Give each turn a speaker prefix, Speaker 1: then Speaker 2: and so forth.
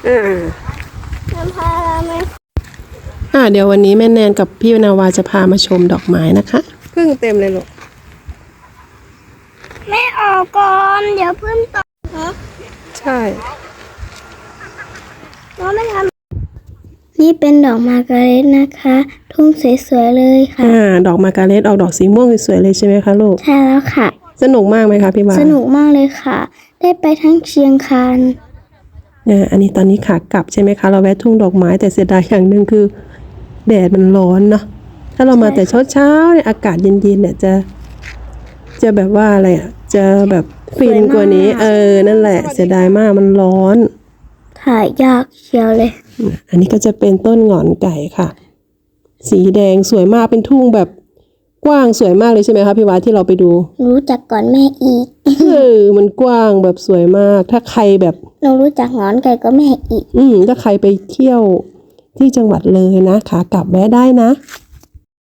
Speaker 1: น้ำพาราไหม
Speaker 2: เดี๋ยววันนี้แม่แนนกับพี่นาวาจะพามาชมดอกไม้นะคะพึ่งเต็มเลยลูก
Speaker 1: แม่ออกก่อนเดี๋ยวเพิ่มต่อนะ
Speaker 2: ใช่
Speaker 1: น้องไม่ทำนี่เป็นดอกมาร์การเร็ตนะคะ ทุ่งสวยๆเลยค่ะ
Speaker 2: ดอกมาร์การเร็ตออกดอกสีม่วงสวยๆเลยใช่ไหมคะลูก
Speaker 1: ใช่แล้วค่ะ
Speaker 2: สนุกมากไหมคะพี่วา
Speaker 1: สนุกมากเลยค่ะ ได้ไปทั้งเชียงคาน
Speaker 2: อันนี้ตอนนี้ขากลับใช่ไหมคะเราแวะทุ่งดอกไม้แต่เสียดายอย่างหนึ่งคือแดดมันร้อนเนาะถ้าเรามาแต่เช้าๆเนี่ยอากาศเย็นๆเนี่ยจะแบบว่าอะไรจะแบบฟินกว่านี้นั่นแหละเสียดายมากมันร้อน
Speaker 1: ถ่ายยากเชียวเลย
Speaker 2: อันนี้ก็จะเป็นต้นหงอนไก่ค่ะ สีแดงสวยมากเป็นทุ่งแบบกว้างสวยมากเลยใช่ไหมคะพี่วาที่เราไปดู
Speaker 1: รู้จักก่อนแม่อีก
Speaker 2: มันกว้างแบบสวยมากถ้าใครแบบ
Speaker 1: หนูรู้จักหงอนไก่ก็แม่อีก
Speaker 2: ถ้าใครไปเที่ยวที่จังหวัดเลยนะขากลับแวะได้นะ